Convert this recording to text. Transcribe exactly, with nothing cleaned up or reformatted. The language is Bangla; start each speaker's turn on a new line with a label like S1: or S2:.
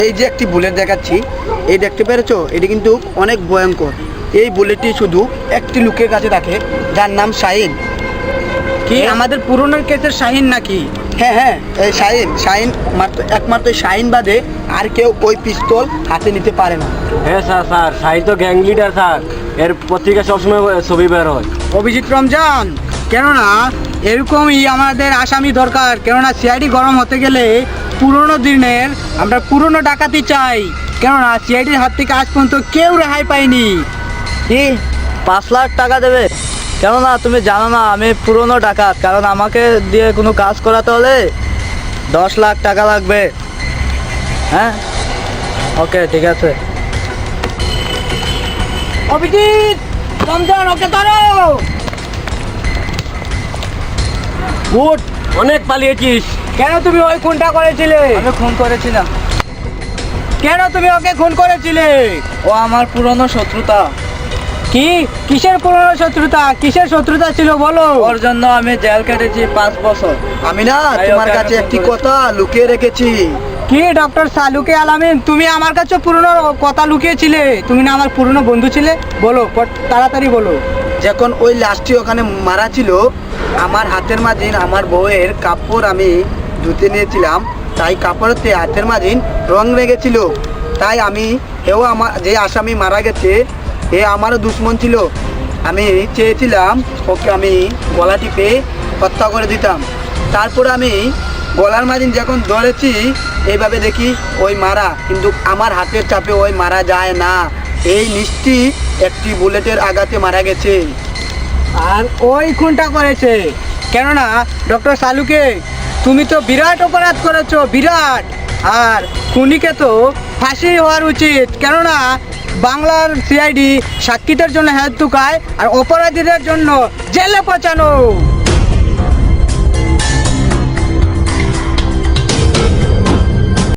S1: এই যে একটি বুলেট দেখাচ্ছি, এই দেখতে পেরেছো, এটি কিন্তু অনেক ভয়ঙ্কর। এই বুলেটটি শুধু একটি লোকের কাছে থাকে, যার নাম শাহিন।
S2: কি আমাদের পুরনো কেসের শাহিন নাকি?
S1: হ্যাঁ হ্যাঁ, এই শাহিন শাহিন মাত্র একমাত্র শাহিন বাদে আর কেউ ওই পিস্তল হাতে নিতে পারে না।
S3: হ্যাঁ স্যার স্যার শাহিন তো গ্যাং লিডার স্যার, এর পত্রিকা সবসময় ছবি বের হয়।
S2: অভিজিৎ রমজান, কেননা এরকমই আমাদের আসামি দরকার, কেননা সিআইডি গরম হতে গেলে পুরনো দিনের আমরা পুরনো ডাকাতি চাই, কেননা সিআইডির হাত থেকে আজ পর্যন্ত কেউ রেহাই পায়নি।
S4: কি পাঁচ লাখ টাকা দেবে? কেননা তুমি জানো না আমি পুরনো ডাকাত, কারণ আমাকে দিয়ে কোনো কাজ করাতে হলে দশ লাখ টাকা লাগবে। হ্যাঁ ওকে ঠিক আছে।
S2: অভিজিৎ রমজান, ওকে ধরো।
S3: গুড, অনেক পালিয়েছিস।
S2: কেন তুমি ওই খুনটা করেছিলে?
S4: আমি খুন করেছিলাম।
S2: কেন তুমি ওকে খুন করেছিলে?
S4: ও আমার পুরনো শত্রুতা।
S2: কি কিসের পুরনো শত্রুতা? কিসের শত্রুতা ছিল বলো?
S4: ওর জন্য আমি জেল কেটেছি পাঁচ বছর।
S1: আমি না
S4: তাই
S1: তোমার
S4: ওকে
S1: কাছে
S4: আমি
S1: একটি
S4: ফোন
S1: কথা লুকিয়ে রেখেছি।
S2: কি ডক্টর সালুকে আলামিন, তুমি আমার কাছে পুরনো কথা লুকিয়েছিলে? তুমি না আমার পুরনো বন্ধু ছিলে? বলো পট- তাড়াতাড়ি বলো।
S1: যখন ওই লাশটি ওখানে মারা ছিল, আমার হাতের মাঝিন আমার বউয়ের কাপড় আমি ধুতে নিয়েছিলাম, তাই কাপড়েতে হাতের মাঝিন রং লেগেছিল। তাই আমি এও আমার যে আসামি মারা গেছে এ আমারও দুশ্মন ছিল। আমি চেয়েছিলাম ওকে আমি গলা টিপে হত্যা করে দিতাম। তারপর আমি গলার মাঝিন যখন ধরেছি এইভাবে দেখি ওই মারা, কিন্তু আমার হাতের চাপে ওই মারা যায় না। এই নিশ্চি একটি বুলেটের আঘাতে মারা গেছে।
S2: আর ওই খুনটা করেছে, কেননা ডক্টর সালুকে তুমি তো বিরাট অপরাধ করেছো, বিরাট। আর খুনিকে তো ফাঁসি হওয়ার উচিত, কেননা বাংলার সিআইডি সাক্ষীদের জন্য হেল্প টুকায় আর অপরাধীদের জন্য জেলে পচানো।